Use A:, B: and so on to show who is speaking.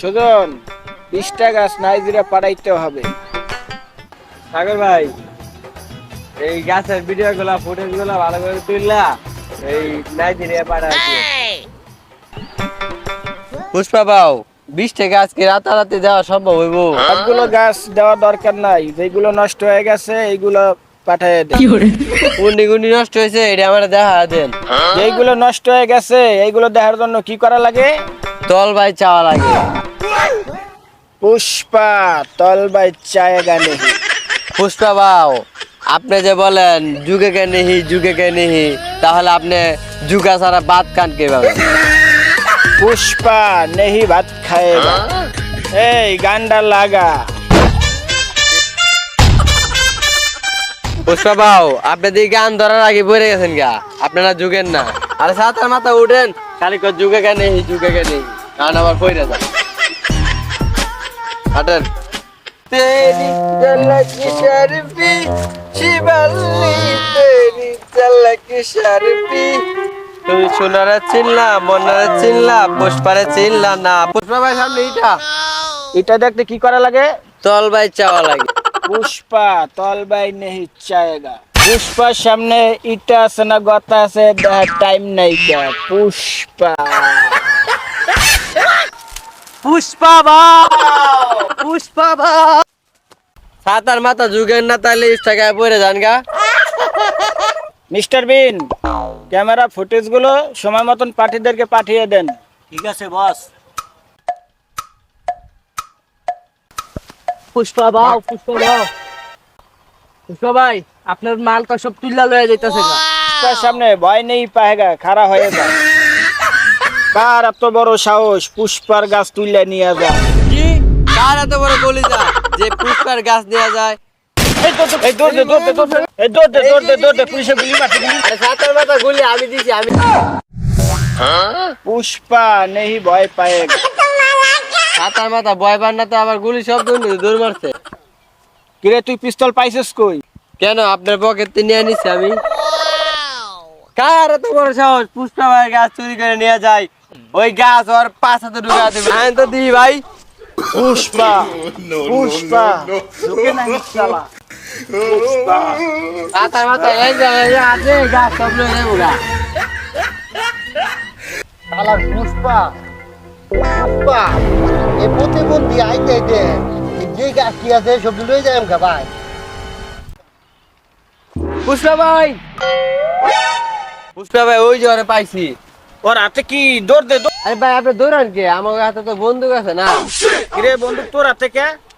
A: সুজন 20টা গাছ নাইজেরিয়া পাঠাইতে হবে।
B: সাগর ভাই, এই গাছের ভিডিও গুলা ফুটেজ গুলা ভালো করে তুললা এই নাইজেরিয়া পাঠাচ্ছি। পুষ্পা বাউ, 20টা গাছ কি রাতারাতি দেওয়া সম্ভব হইব?
A: সবগুলো গাছ দেওয়া দরকার নাই, যেগুলো নষ্ট হয়ে গেছে এইগুলো পাঠিয়ে দেন।
B: গুন্ডি গুন্ডি নষ্ট হয়েছে এটা আমার দেখা দেন।
A: যেগুলো নষ্ট হয়ে গেছে এইগুলো দেখার জন্য কি করা লাগে?
B: তল ভাই চাওয়া লাগে।
A: পুষ্পা তলবাই চায়েগা নেহি।
B: পুষ্পা বাউ, আপনি যে বলেন যুগে কে নেহি যুগে কে নেহি, তাহলে আপনি যুগা ছাড়া ভাত খান কিভাবে?
A: পুষ্পা নেহি ভাত খায়েগা। এই গান্ডা লাগা।
B: পুষ্পা বাউ, আপনি দিয়ে গান ধরার আগে পড়ে গেছেন গা, আপনারা যুগেন না। আরে সাতার মাথা উঠেন, খালি যুগে কে নেহি যুগে কে নেহি, গান আবার পড়ে যান। হাঁটেন। तेरी झलक शर्फी शिवल्ली, तेरी झलक शर्फी। তুমি সোনারে চিনলা, মনারে চিনলা, পুষ্পারে চিনলা না। পুষ্পা ভাই সামনে
A: এটা দেখতে কি করা লাগে?
B: তল ভাই চাওয়া লাগে।
A: পুষ্পা তলবাই নেহি চায়েগা। পুষ্পার সামনে ইটা আছে না গতা আছে, টাইম নাই গা। পুষ্পা
B: পুষ্পা বাউ, পুষ্পা বাউ। সাতার মাথা যুগেন না, তাহলে ইনস্টাগ্রামে পড়ে যান গা।
A: মিস্টার বিন, ক্যামেরা ফুটেজ গুলো সময় মতন পার্টিদেরকে পাঠিয়ে দেন।
C: ঠিক আছে বস।
B: পুষ্পা বাউ, পুষ্পা বাউ। পুষ্পা ভাই, আপনার মাল তো সব তুল্লা লয়ে যাইতাছে গা।
A: পুষ্পার সামনে ভয় নেই পাহেগা, খাড়া হয়ে যা। কার এত বড় সাহস পুষ্পার গাছ তুলে নিয়ে যা?
B: কি? কার এত বড় কলিজা যে পুষ্পার গাছ দেয়া যায়?
A: এই দৌড় দে, দৌড় দে, দৌড় দে। এই দৌড় দে, দৌড় দে, দৌড় দে, পুলিশে গুলি মারছে, গুলি।
B: আরে সাতার মাথা গুলি আমি দিছি, আমি।
A: পুষ্পা নেই ভয় পায়েগা।
B: সাতার মাথা ভয় পান না তো আবার গুলি শব্দ দৌড় মারছে।
A: কিরে তুই পিস্তল পাইছিস কই?
B: কেন আপনার পকেট নিয়ে নিছি আমি? কার এত বড় সাহস পুষ্পা ভাই গাছ চুরি করে নিয়ে যায়? ওই গাছ ওর 5 হাতে ঢুকা দেবে। আমি তো দিই ভাই।
A: পুষ্পা পুষ্পা ঢুকে নাই শালা। পুষ্পা
B: সাতার মাথা এই যে আছে গাছ সব লয়ে যাবো গা।
C: শালা পুষ্পা, পুষ্পা এ প্রতিবন্ধী আইতে আইতে যে গাছ কি আছে সব লয়ে যায় আমকা ভাই।
B: পুষ্পা ভাই, পুষ্পা ভাই ওই যে ওরে পাইছি।
A: ওর হাতে কি? দৌড় দে, দৌড়।
B: আরে ভাই আপনি দৌড়ান কে? আমার হাতে তো বন্দুক আছে না।
A: কিরে বন্দুক তোর হাতে কে?